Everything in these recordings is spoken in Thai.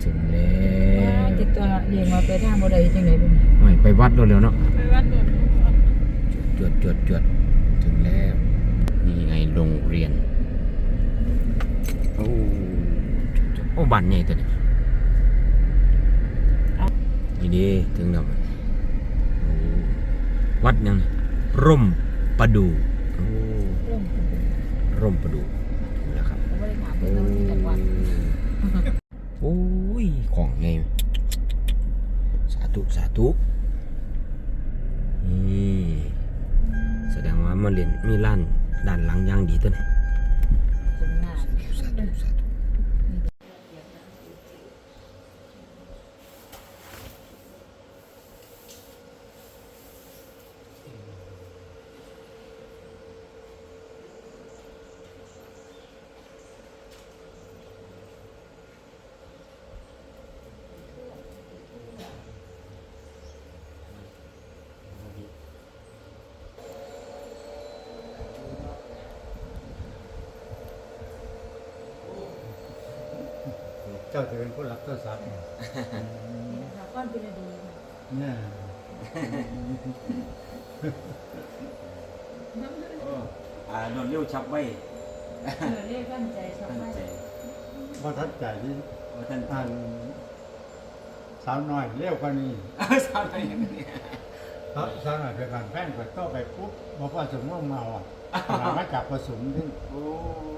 ถึงแล้วติดตัวเรียนมาไปทางบ่ได้จังได๋บ่ไม่ไปวัดเร็วๆเนาะไปวัดโดดจวดถึงแล้วนี่ไงโรงเรียนโอ้บ้านใหญ่ตัวนี้นี่ดีถึงแล้ววัดยังร่มประดู่ร่มประดู่ถึงแล้วครับบ่ได้ถามเพิ่นว่าสิจังหวัดโอ้ยของไงสาธุนี่แสดงว่ามาเรียนมีร้านด้านหลังอย่างดีตัวนี้ตรงหน้าสาธุเจ้าจะเป็นผู้รับโทรศัพท์เนี่ยค่ะก้อนเป็นดีเนี่ยโดนเลี้ยวชับไว้เรียกตั้งใจชอบมากพอทัดใจที่ว่าท่านอ่านสาวน้อยเร็วกว่านี้สาวน้อยอย่างนี้สาวน้อยเป็นการแป้งไปก็ไปปุ๊บบอกว่าสมมติเมาอ่ะมาจับผสมที่โอ้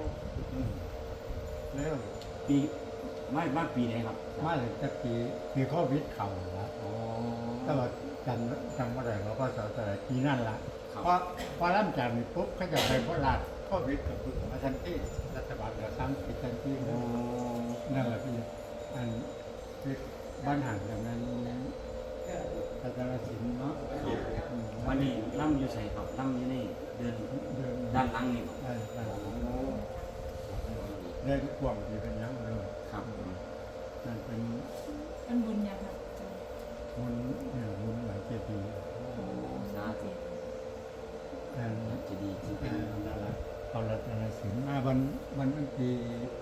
เร็วปีไม่ปีไหนครับมาถึงจะปีโควิดเข่าแล้วแต่ว่าจำว่าอะไรเราก็สาวแต่ปีนั่นละพอร่ำจันปุ๊บเขาจะไปโคราชโควิดกับปุ๊บมาทันที่รัฐบาลเหลือ3 ปีทันที่นั่นแหละพี่อันที่บ้านห่างจากนั้นพัฒนาศิลป์เนาะวันนี้ล่ำอยู่ใส่ครับล่ำอยู่นี่เดินด้านหลังนี่เดินกว้างดีเป็นยังเลยครับนั่นเป็นบุญยังครับบุญหลายปีสาธุจะดีจริงๆเอารัตนศิลป์วันปี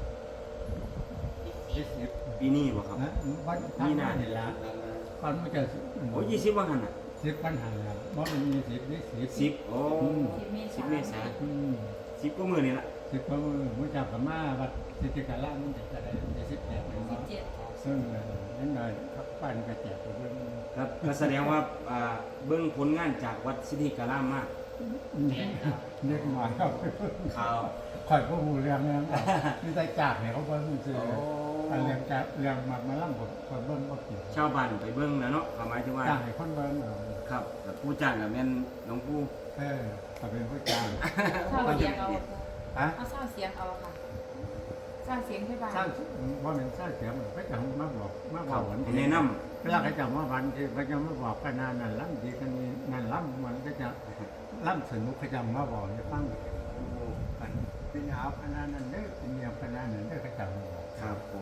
ปีนี้บ่ครับวันนี้น่าเห็นละตอนมันจะโอ้20วันหันอ่ะ 10วันหันแล้วเพราะมันมี10นี่ 10โอ้10เมษายน10ก็มื้อนี่ล่ะ 10ก็มื้อจากพม่าวัดสิทธิการะมันจะได้17ซึ่งนั่นหน่อยครับปั้นกระแจกไปเบิ่งครับก็แสดงว่าเบิ่งผลงานจากวัดสิทธิการะมากเล็กน้อยครับข่าวข่อยก็หูเรื่องนั้นนี่ใจจากเนี่ยเขาเบิ่งซื่อเรื่องจากเรื่องมาล่ำคนเบิ่งบ่เกี่ยวชาวบ้านไปเบิ่งนะเนาะหมายถึงว่าจ้างให้คนเบิ่งครับแต่ผู้จ้างก็แม่นหลวงปู่ก็เป็นผู้จ้างเศร้าเสียงเอาเอาเศร้าเสียงเอาค่ะสร้างเสียงให้บ้านสร้างว่าเป็นสร้างเสียงเขาจะมาบอกแนะนำเวลาเขาจะมาวันที่เขาจะมาบอกกันนั่นล่ำดีกันนั่นล่ำมันก็จะล่ำสนุกเขาจะมาบอกให้ฟังเป็นเอาขนาดนั้นเด้อเป็นเมียขนาดนั้นเด้อเขาจะมาบอกครับผม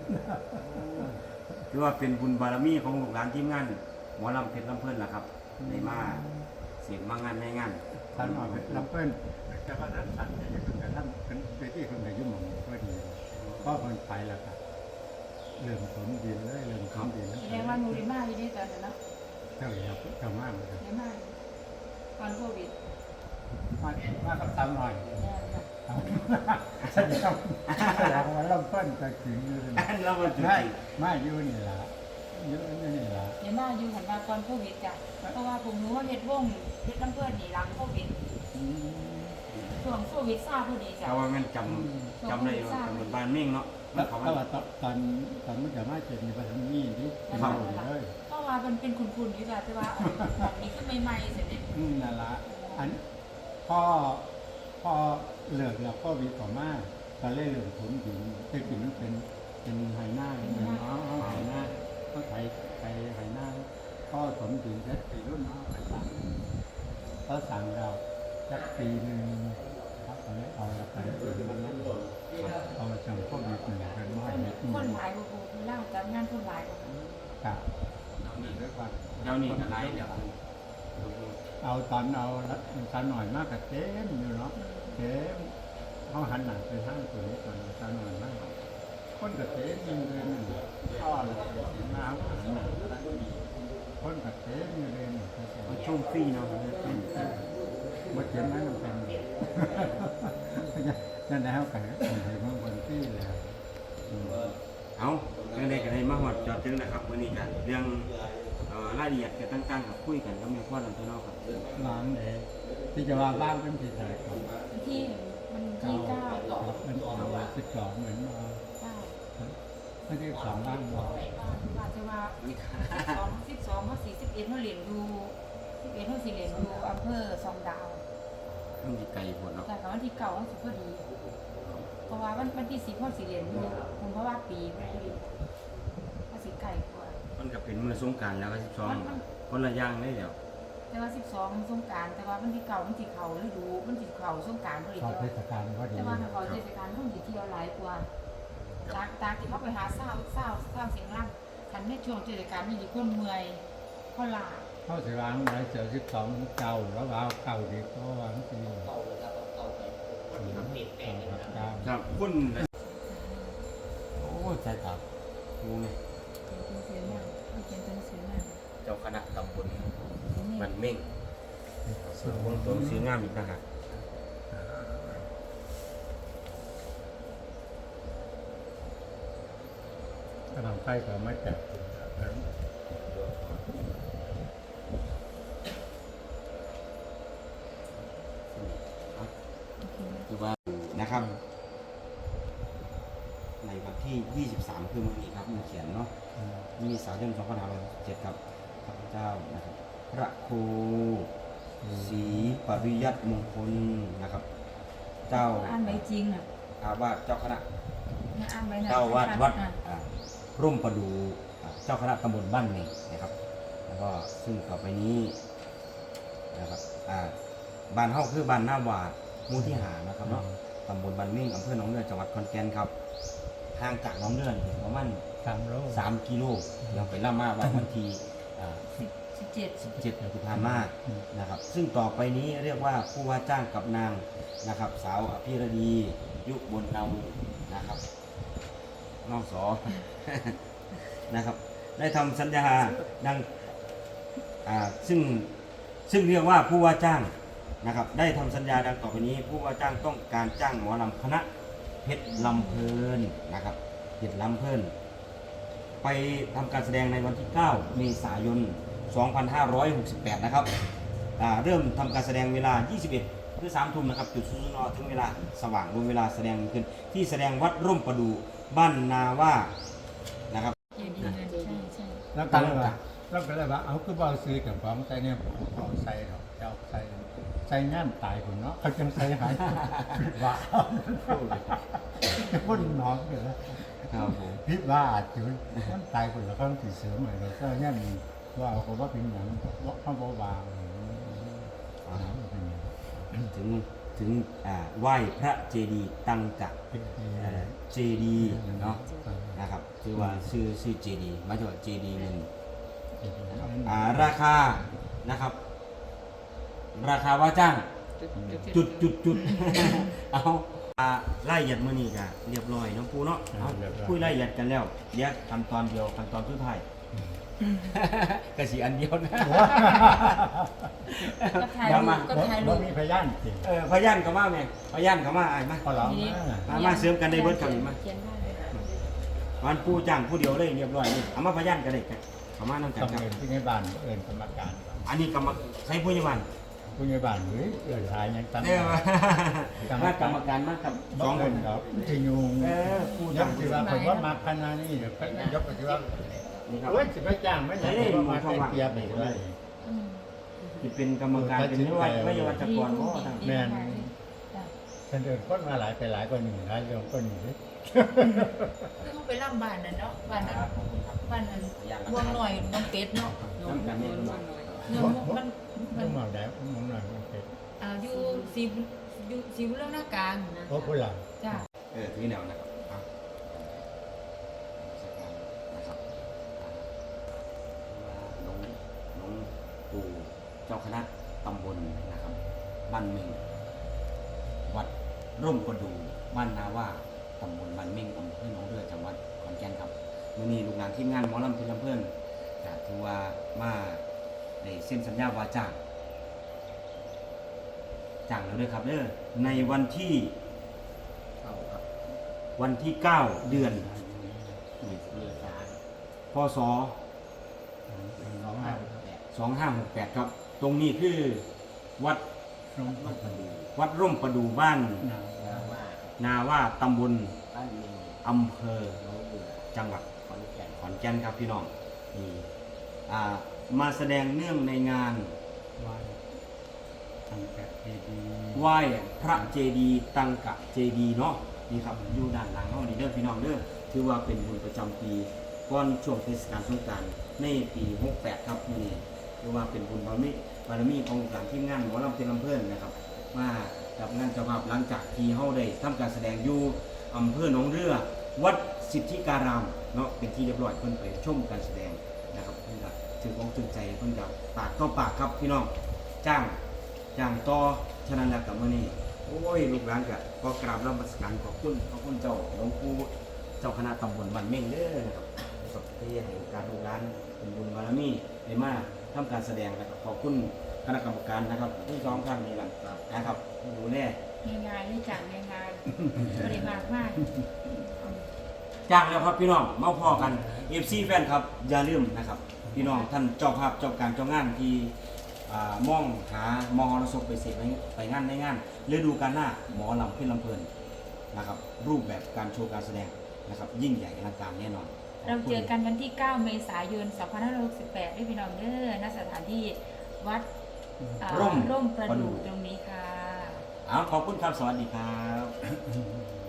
ถือว่าเป็นบุญบารมีของลูกหลานทีมงานหมอลำเพชรลำเพิ่นล่ะครับได้มาเสียงมางานในงานท่านมาลำเพิ่นจะมาท่านสั่งจะอยู่กับท่านเป็นที่คนไหนยุ่งหมองก็ดีก็คนไปแล้วครับเริ่มถมดินเลยเริ่มถมดินแสดงว่านูริมาอยู่ได้ตอนนั้นเนาะเจ้าอย่าเจ้ามากเลยเยอะมากตอนโควิดมากับสาวหน่อยแสดงว่าลำเพิ่นจะถึงอยู่เลยไม่อยู่นี่ละอยู่นี่ละเยอะมากอยู่หันมาตอนโควิดจ้ะเพราะว่าผมรู้ว่าเฮ็ดวงเฮ็ดลำเพิ่นนี่หลังโควิดช่วงโควิดซาพอดีจ้ะแต่ว่ามันจำได้ว่าจำบ้านเม่งเนาะแล้วว่าตอนมันจะมาเจ็ดมีปัญหานี่ดิเป็นหมดเลยเพราะว่ามันเป็นคุณอยู่จ้ะแต่ว่ามีขึ้นใหม่ๆเสร็จเนี่ยนั่นละอันพ่อเลิกแล้วก็วิต่อมาก็เล่เรื่องผลดินแต่กินมันเป็นไหหน้าไหหน้าก็ไถไหหน้าก็ผลดินแค่ปีรุ่นน้องก็สั่งเราสักปีหนึ่งครับตอนนี้เอาละไปมันนั้นเอาจังพวกนี้เป็นเป็นไม้คนหลายบุบุเล่าจากงานคนหลายบุครับนี่ด้วยกันเจ้านี่อะไรเดี๋ยวเอาตอนเอาตอนหน่อยมากกับเจ๊มอยู่เนาะเจ๊มเขาหันหนังไปทางตัวนี้ก่อนตอนหน่อยมากคนกับเจ๊มยังเลยก็น้ำขังหนังคนกัดเต็มอยู่เลยนี่มาช่วงฟรีเนาะมาเขียนนั้นมันเป็นนั่นแล้วกันเห็นมันคนที่แล้วเอาเรื่องใดก็ได้มาหอดจอดถึงนะครับวันนี้กันเรื่องรายละเอียดกันตั้งๆกับคุยกันก็มีข้อลำตัวนอกครับล้างเลยที่จะว่าบ้านเป็นที่ไหนครับที่มันที่เก้ามันออกมา12เหมือนมาเก้าไม่ได้สองบ้านบอกอาจจะว่า12เขา41เขาเหรียญดู11เขาสิเหรียญดูอำเภอซองดาวมันจะไกลหมดเนาะแต่กับวันที่เก่าเขาสุดพอดี เพราะว่าวันที่10เขาสิเหรียญดูคุณเพราะว่าปีพอดีเขาสิไก่กว่ามันก็เป็นมันสงกรารแล้วก็12คนละอย่างได้เดี๋ยวแต่ว่า12มันสงกรานต์แต่ว่าวันที่เก่ามันสิเขาฤดูมันสิเขาสงกรานต์พอดีชอบเทศกาลก็ดีแต่ว่าถ้าเขาเทศกาลเขาสิเที่ยวหลายกว่าจากที่เขาไปหาเศร้าเสียงร่ำคันในช่วงเทศกาลนี่คนเมื่อยเขาลาเข้าสิร้านไหนเจอ12เก่าแล้วว่าเก่าดีก็วางทีเก่าครับคุณโอ้ใช่ครับงูไงเขียนเป็นเสียงอ่ะเจ้าคณะตำบลมันเม่งส่วนวงตัวสีงามอีกนะฮะกำลังไปก็ไม่จับคือว่านะครับ ในวันที่ 23 คือวันนี้ครับมันเขียนเนาะมีสายน2567ครับข้าพเจ้านะครับพระครูศรีปริยัติมงคลนะครับ เจ้าอ่านใบจริงอ่ะอาวาสเจ้าคณะอ่านใบนะเจ้าวาดวัดร่มประดูเจ้าคณะตำบลบ้านเมงนะครับ แล้วก็ซึ่งต่อไปนี้นะครับบ้านเฮาคือบ้านหน้าวาดหมู่ที่หานะครับเนาะตำบลบ้านเมงอำเภอหนองเรือจังหวัดขอนแก่นครับห่างจากหนองเรือนี่ประมาณ 3 โล 3 กิโลยังไปล่ามาวันที่ 17 17ที่ผ่านมานะครับ ซึ่งต่อไปนี้เรียกว่าผู้ว่าจ้างกับนางนะครับ สาวอภิรดียุคบนเนานะครับน้องสอ นะครับ ได้ทำสัญญาดังซึ่งเรียกว่าผู้ว่าจ้างนะครับ ได้ทำสัญญาดังต่อไปนี้ ผู้ว่าจ้างต้องการจ้างหมอลำคณะเพชรลำเพลินนะครับเพชรลำเพลินไปทำการแสดงในวันที่ 9 เมษายน 2568 นะครับเริ่มทำการแสดงเวลา 21 หรือ 3 ทุ่มนะครับ จุดศูนย์นถึงเวลาสว่างรวมเวลาแสดงขึ้นที่แสดงวัดร่มประดูบ้านนาว่านะครับเขียนดีเงินใช่แล้วก็เลยว่าเอาคือบ่ซื้อกับของใส่เนี่ยของใส่หรอกเจ้าใส่งานตายคนเนาะเขาจังใส่หายว่าคนน้องกันแล้วครับผมพิษว่าอาจจะมันตายคนแล้วเขาติดเสือใหม่เราก็เนี่ยมีว่าเอาคนว่าเป็นอย่างว่าเขาบอกวางถึงไหว้พระเจดีย์ตังกะเจดีย์เนาะนะครับชื่อว่าชื่อเจดีย์มาจากเจดีย์หนึ่งราคานะครับ ราคาว่าจ้างจุด เอารายละเอียดมื้อนี้ก็เรียบร้อยเนาะปูเนาะเอาคุยรายละเอียดกันแล้วเดี๋ยวขั้นตอนเดียวขั้นตอนสุดท้ายกระสีอันเดียวนะก็ถ่ายเดี๋ยวรูมาปก็ถ่ายรูบ่ปมีพยานจริงพยันก็มาแม่พยันก็มาไอ้มาพอเรามาเสริมกันได้เบิดกันมาเขียนได้เลยวันปูจ้างผู้เดียวเลยเรียบร้อยนี่เอามาพยันกันได้กันเอามานํกันต้องครับเอินที่ในบ้านเอินกรรมการอันนี้กรรมใช้ผู้ใหญ่บ้านผู้ใหญ่บ้านเฮ้ยเอินหายยังตั้งเนี่ยมากรรมการมากับสองคนครับที่ยุงผู้ยัจ้างงที่ว่าผมว่ามาขนาดนี้เดี๋ยวก็ยกไปที่ว่านี่ครับเฮ้ยสิไม่จ้างไม่ได้ว่ามาเป็นเปียบไปเลยที่เป็นกรรมการเป็นไม่ใช่วัชกรเพราะว่าทางแม่นฉันเดินคนมาหลายไปหลายกว่าหนึ่งหลายเรื่องก็หนึ่งเลยเขาไปล่ำบ้านนั่นเนาะบ้านนั้นบ้านนั้นวงหน่อยน้องเป็ดเนาะน้ำกันเนี่ยลำบากเงินมันต้องมาได้ผมหน่อยมันเป็นอยู่สีบุญเรื่องหน้ากลางนะเพราะผู้หลังจ้าถือแนวนะครับนะครับน้องปู่เจ้าคณะตำบลนะครับบ้านเมงวัดร่มประดูบ้านนาว่าตำบลบ้านเมงอำเภอหนองเรือจังหวัดขอนแก่นครับมื้อนี้ลูกหลานทีมงานหมอลำเพลินลำเพิ่นก็ถือว่ามาได้เซ็นสัญญาว่าจ้างแล้วเด้อครับเด้อในวันที่ วันที่ 9 เดือนพศ 2568 ครับ ตรงนี้คือวัดร่มประดูวัดร่มประดูบ้านนาว่านาว่าตำบลบ้านเมืองอำเภอน้องเบื่อจังหวัดขอนแก่นขอนแก่นครับพี่น้องนี่มาแสดงเนื่องในงานไหว้ตั้งแต่เจดีย์ไหว้พระเจดีย์ตังกะเจดีย์เนาะนี่ครับอยู่ด้านหลังเฮานี่เด้อพี่น้องเด้อถือว่าเป็นบุญประจำปีก่อนช่วงเทศกาลสงกรานต์ในปี 68 ครับมื้อนี้ถือว่าเป็นบุญบารมีของหลานทีมงานหมอลำเพลินลำเพิ่นนะครับมากับงานเจ้าภาพหลังจากที่เฮาได้ทำการแสดงอยู่อำเภอหนองเรือวัดสิทธิการามเนาะเป็นที่เรียบร้อยเพิ่นไปชมการแสดงนะครับเพิ่นก็ถือของตึงใจเพิ่นก็ปากต่อปากครับพี่น้องจ้างต่อฉะนั้นแล้วกับมื้อนี้โอ้ยลูกหลานก็ขอกราบนมัสการขอบคุณเจ้าหลวงปู่เจ้าคณะตำบลบ้านเม่งเด้อนะครับที่ให้โอกาสลูกหลานเป็นบุญบารมีได้มาทำการแสดงนะครับขอบคุณคณะกรรมการนะครับทั้งสองท่านนี่แหละนะครับดูแลงานนี่จากในงานบริมากมากจ้างแล้วครับพี่น้องมาพอกัน FC แฟนครับอย่าลืมนะครับพี่น้องท่านเจ้าภาพเจ้าการเจ้างานที่มองหามอรสพไปเสพไปงานในงานฤดูกาลหน้าหมอลำเพลินลำเพลินนะครับรูปแบบการโชว์การแสดงนะครับยิ่งใหญ่อลังการแน่นอนเราเจอกันวันที่ 9 เมษายน 2568ด้วยพี่น้องเด้อณสถานที่วัดร่มประดู่ตรงนี้ค่ะขอบคุณครับสวัสดีครับ